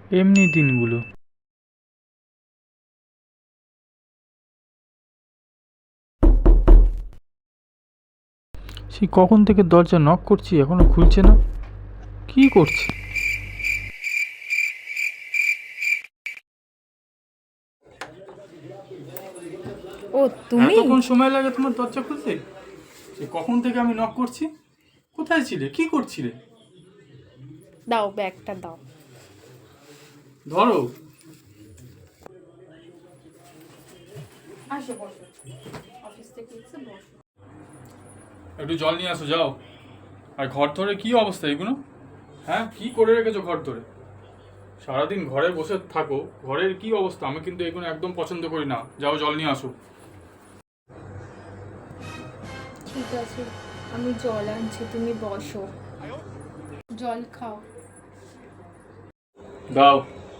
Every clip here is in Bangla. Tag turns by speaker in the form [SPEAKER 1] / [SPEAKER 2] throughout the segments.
[SPEAKER 1] এমনি দিনগুলো। সে কখন থেকে দরজা নক করছি, এখনো খুলছে না। কি করছে?
[SPEAKER 2] ও তুমি?
[SPEAKER 1] এতক্ষণ সময় লাগে তোমার দরজা খুলতে? সে কখন থেকে আমি নক করছি। কোথায় ছিলে, কি করছিলে?
[SPEAKER 2] দাও ব্যাগটা দাও।
[SPEAKER 1] ধরো।
[SPEAKER 2] আসো বসো, অফিস থেকে এসে বসো।
[SPEAKER 1] একটু জল নিয়ে আসো, যাও। আর ঘর ধরে কি অবস্থা এগুলো? হ্যাঁ, কি করে রেখেছো ঘর ধরে? সারাদিন ঘরে বসে থাকো, ঘরের কি অবস্থা? আমি কিন্তু এগুলো একদম পছন্দ করি না। যাও, জল নিয়ে আসো।
[SPEAKER 2] ঠিক আছে, আমি জল আনছি, তুমি বসো, জল খাও।
[SPEAKER 1] দাও।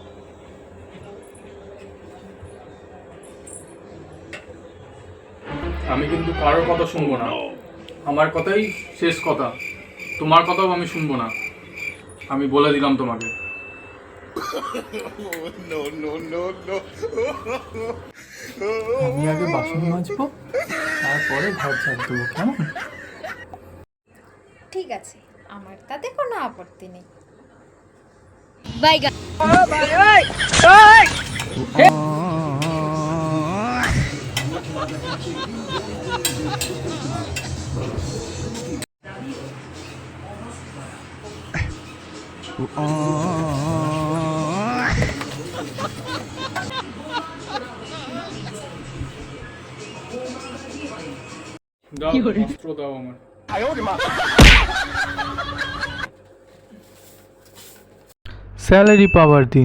[SPEAKER 1] আমি কিন্তু কারোর কথা শুনবো না। আমার কথাই শেষ কথা। তোমার কথাও আমি শুনবো না। আমি বলে দিলাম তোমাকে। আমি আগে বাসন মাজবো, তারপরে ঘর ঝাড় দেবো, কেমন?
[SPEAKER 2] ঠিক আছে, আমার তাতে কোনো আপত্তি নেই।
[SPEAKER 1] দাও, অস্ত্র দাও আমার। স্যালারি পাওয়ার দিন।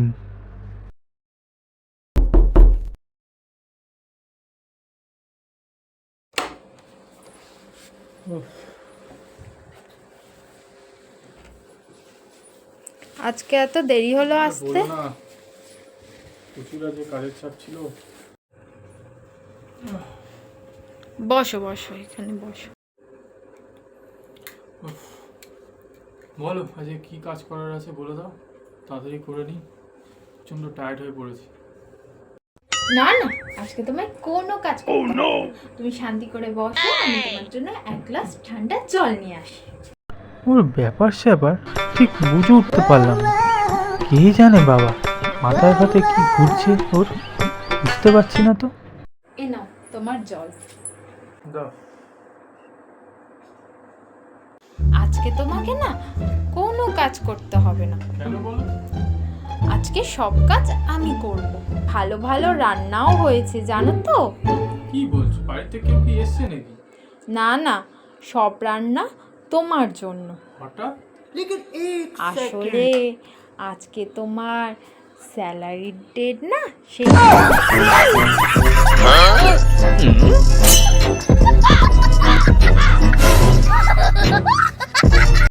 [SPEAKER 2] আজকে এত দেরি হলো আসতে?
[SPEAKER 1] বলো না, প্রচুর আজকে কাজের চাপ ছিল।
[SPEAKER 2] বসো বসো, এখানে বসো।
[SPEAKER 1] বলো, আজকে কি কাজ করার আছে বলে দাও, তাড়াতাড়ি করে নিই। প্রচন্ড টায়ার্ড হয়ে পড়েছি।
[SPEAKER 2] না না, আজকে তোমায় কোনো কাজ করতে হবে না। তুমি শান্তি করে বসো, আমি তোমার জন্য এক গ্লাস ঠান্ডা জল নিয়ে আসি।
[SPEAKER 1] ওর ব্যাপার স্যাপার ঠিক বুঝে উঠতে পারলাম না। কে জানে বাবা, মাথায় ফাতে কি ঘুরছে ওর, বুঝতে পারছি না তো।
[SPEAKER 2] এ নাও তোমার জল।
[SPEAKER 1] দাও।
[SPEAKER 2] আজকে তোমাকে না কোনো কাজ করতে হবে না।
[SPEAKER 1] কেন বলো?
[SPEAKER 2] আজকে সব কাজ আমি করব। ভালো ভালো রান্নাও হয়েছে জানো তো।
[SPEAKER 1] কি বলছো, বাড়িতে কেউ কি এসছে নাকি?
[SPEAKER 2] না না, সব রান্না তোমার জন্য।
[SPEAKER 1] হঠাৎ?
[SPEAKER 2] আসলে আজকে তোমার স্যালারির ডেট না, সেই